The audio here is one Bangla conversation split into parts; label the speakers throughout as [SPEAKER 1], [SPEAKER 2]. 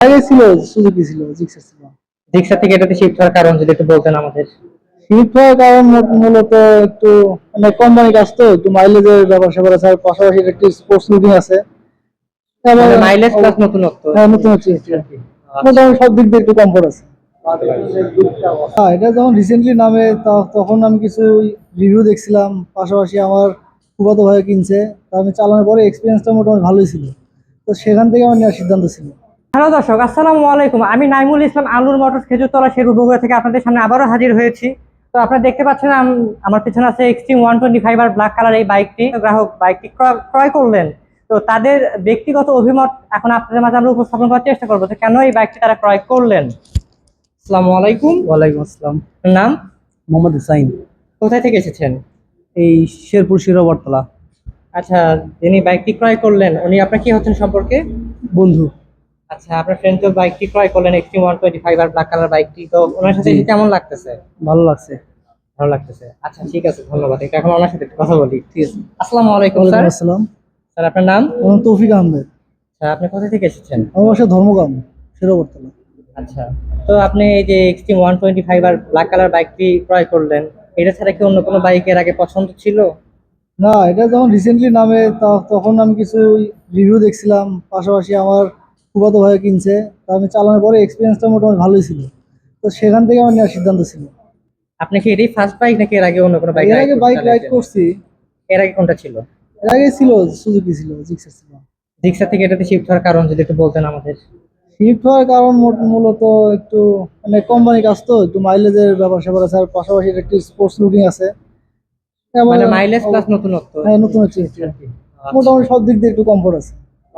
[SPEAKER 1] আগে ছিল, সুজুকি ছিল, জিক্সার ছিল।
[SPEAKER 2] জিক্সার থেকে এটাতে শিফট হওয়ার কারণ যদি একটু বলতেন আমাদের।
[SPEAKER 1] শিফট হওয়ার কারণ মূলত একটু মানে কোম্পানি কাজ তো একটু মাইলেজের ব্যাপার স্যাপার আছে, আর পাশাপাশি একটু স্পোর্টস লুকিং আছে।
[SPEAKER 2] মানে মাইলেজ প্লাস নতুনত্ব।
[SPEAKER 1] হ্যাঁ, নতুন হচ্ছে
[SPEAKER 2] আর কি। আচ্ছা।
[SPEAKER 1] মোটামুটি সব দিক দিয়ে একটু কমফোর্ট আছে। হ্যাঁ, এটা যখন রিসেন্টলি নামে তখন আমি কিছু রিভিউ দেখছিলাম, পাশাপাশি আমার ফুফাতো ভাই কিনছে, তা আমি চালানোর পরে এক্সপিরিয়েন্সটা মোটামুটি ভালোই ছিল। তো সেখান থেকে আমার নেওয়ার সিদ্ধান্ত ছিল।
[SPEAKER 2] হ্যালো দর্শক, আসসালামু আলাইকুম। আমি নাইমুল ইসলাম, আলুর মোটরস খেজুরতলা শেরপুর বগুড়া থেকে আপনাদের সামনে আবারও হাজির হয়েছি। তো আপনারা দেখতে পাচ্ছেন আমার পিছনে আছে এক্সট্রিম 125 আর ব্ল্যাক কালার এই বাইকটি। গ্রাহক বাইকটি ক্রয় করলেন। তো তাদের ব্যক্তিগত অভিমত এখন আপনাদের মাঝে আমরা উপস্থাপন করার চেষ্টা করবো যে কেন এই বাইকটি তারা ক্রয় করলেন। আসসালামু আলাইকুম।
[SPEAKER 1] ওয়ালাইকুম আসসালাম।
[SPEAKER 2] নাম?
[SPEAKER 1] মোহাম্মদ হুসাইন।
[SPEAKER 2] কোথায় থেকে এসেছেন?
[SPEAKER 1] এই শেরপুর শিরোবরতলা।
[SPEAKER 2] আচ্ছা, যিনি বাইকটি ক্রয় করলেন উনি আপনার কি হচ্ছেন সম্পর্কে?
[SPEAKER 1] বন্ধু।
[SPEAKER 2] আচ্ছা, আপনার ফ্রেন্ড তো বাইকটি ক্রয় করলেন এক্সট্রিম 125 আর ব্ল্যাক কালার বাইকটি, তো ওনার সাথে
[SPEAKER 1] জি।
[SPEAKER 2] এসে কেমন লাগতেছে?
[SPEAKER 1] ভালো লাগছে।
[SPEAKER 2] ভালো লাগতেছে। আচ্ছা ঠিক আছে, ধন্যবাদ। এটা এখন ওনার সাথে একটু কথা বলি।
[SPEAKER 1] ঠিক আছে।
[SPEAKER 2] আসসালামু আলাইকুম স্যার।
[SPEAKER 1] ওয়ালাইকুম আসসালাম।
[SPEAKER 2] স্যার আপনার নাম?
[SPEAKER 1] আমার নাম তৌফিক আহমেদ।
[SPEAKER 2] স্যার আপনি কোথা থেকে এসেছেন?
[SPEAKER 1] আমার বাসা ধর্মগ্রাম, শিরোবরতলা।
[SPEAKER 2] আচ্ছা, তো আপনি এই যে এক্সট্রিম 125 আর ব্ল্যাক কালার বাইকটি ক্রয় করলেন, এটা ছাড়া কি অন্য কোনো বাইকের আগে পছন্দ ছিল?
[SPEAKER 1] না, এটা যখন রিসেন্টলি নামে তখন আমি কিছু রিভিউ দেখছিলাম, পাশাপাশি আমার ফুফাতো ভাই কিনছে, তা আমি চালানোর পরে এক্সপিরিয়েন্সটা মোটামুটি ভালোই ছিল। তো সেখান থেকে আমার নেওয়ার সিদ্ধান্ত ছিল।
[SPEAKER 2] আপনি কি এটাই ফার্স্ট বাইক নাকি এর আগে অন্য কোনো বাইক
[SPEAKER 1] এর
[SPEAKER 2] রাইড
[SPEAKER 1] আগে
[SPEAKER 2] করতে
[SPEAKER 1] বাইক রাইড
[SPEAKER 2] চালাইছেন?
[SPEAKER 1] করছি।
[SPEAKER 2] এর আগে কোনটা ছিল?
[SPEAKER 1] এর আগে ছিল, সুজুকি ছিল, জিক্সার ছিল।
[SPEAKER 2] জিক্সার থেকে এটাতে শিফট হওয়ার কারণ যদি একটু বলতেন আমাদের।
[SPEAKER 1] শিফট হওয়ার কারণ মূলত একটু মানে কোম্পানি কাজ তো একটু মাইলেজের ব্যাপার স্যাপার আছে, আর পাশাপাশি একটু স্পোর্টস লুকিং আছে।
[SPEAKER 2] মানে মাইলেজ প্লাস নতুনত্ব।
[SPEAKER 1] হ্যাঁ, নতুন হচ্ছে
[SPEAKER 2] আর কি। আচ্ছা।
[SPEAKER 1] মোটামুটি সব দিক দিয়ে একটু কমফোর্ট আছে।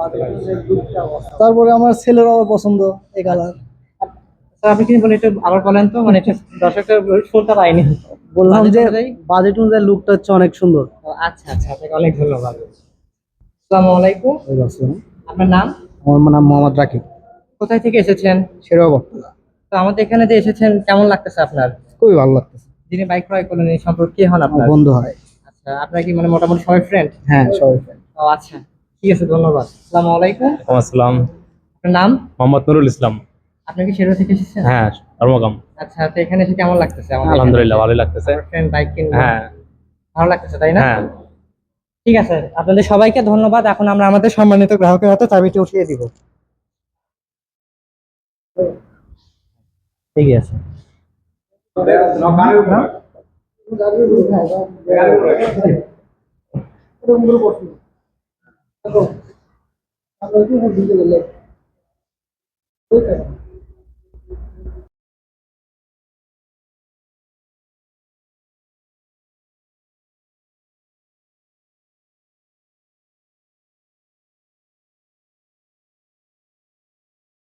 [SPEAKER 1] তারপরে আমার ছেলের আবার পছন্দ এই কালার।
[SPEAKER 2] তো আপনি কি বলে একটু আবার বলেন তো, মানে একটু দর্শকটা শুনতে পাইনি।
[SPEAKER 1] বললাম
[SPEAKER 2] বাজেট
[SPEAKER 1] যে
[SPEAKER 2] অনুযায়ী?
[SPEAKER 1] বাজেট অনুযায়ী লুকটা হচ্ছে অনেক সুন্দর।
[SPEAKER 2] ও, আচ্ছা আচ্ছা, আপনাকে অনেক ধন্যবাদ। আসসালামু আলাইকুম। আপনার নাম?
[SPEAKER 1] আমার নাম মোহাম্মদ রাকিব।
[SPEAKER 2] কোথায় থেকে এসেছেন?
[SPEAKER 1] শিরোবরতলা।
[SPEAKER 2] তো আমাদের এখানে যে এসেছেন কেমন লাগতেছে আপনার?
[SPEAKER 1] খুবই ভালো লাগতেছে।
[SPEAKER 2] যিনি বাইক ক্রয় করলেন এই সম্পর্কে কি হন
[SPEAKER 1] আমার
[SPEAKER 2] আপনার?
[SPEAKER 1] বন্ধু হয়।
[SPEAKER 2] আচ্ছা, আপনার কি মানে মোটামুটি সবাই ফ্রেন্ড?
[SPEAKER 1] হ্যাঁ, সবাই friend।
[SPEAKER 2] ও আচ্ছা, ঠিক আছে, ধন্যবাদ। আসসালামু আলাইকুম।
[SPEAKER 3] ওয়ালাইকুম আসসালাম।
[SPEAKER 2] আপনার নাম?
[SPEAKER 3] মোহাম্মদ নুরুল ইসলাম।
[SPEAKER 2] আপনি কি শেরপুর থেকে এসেছেন?
[SPEAKER 3] হ্যাঁ, ধর্মকাম।
[SPEAKER 2] আচ্ছা, তো এখানে এসে কেমন লাগতেছে আমাদের এখানে
[SPEAKER 3] আলহামদুলিল্লাহ
[SPEAKER 2] এসে?
[SPEAKER 3] ভালোই লাগতেছে।
[SPEAKER 2] আমার ফ্রেন্ড বাইক কিনলো।
[SPEAKER 3] হ্যাঁ
[SPEAKER 2] ভালো লাগতেছে তাই না?
[SPEAKER 3] হ্যাঁ।
[SPEAKER 2] ঠিক আছে, আপনাদের সবাইকে ধন্যবাদ। এখন আমরা আমাদের সম্মানিত গ্রাহকের হাতে চাবিটি উঠিয়ে দিব। ঠিক আছে।
[SPEAKER 1] হ্যাঁ।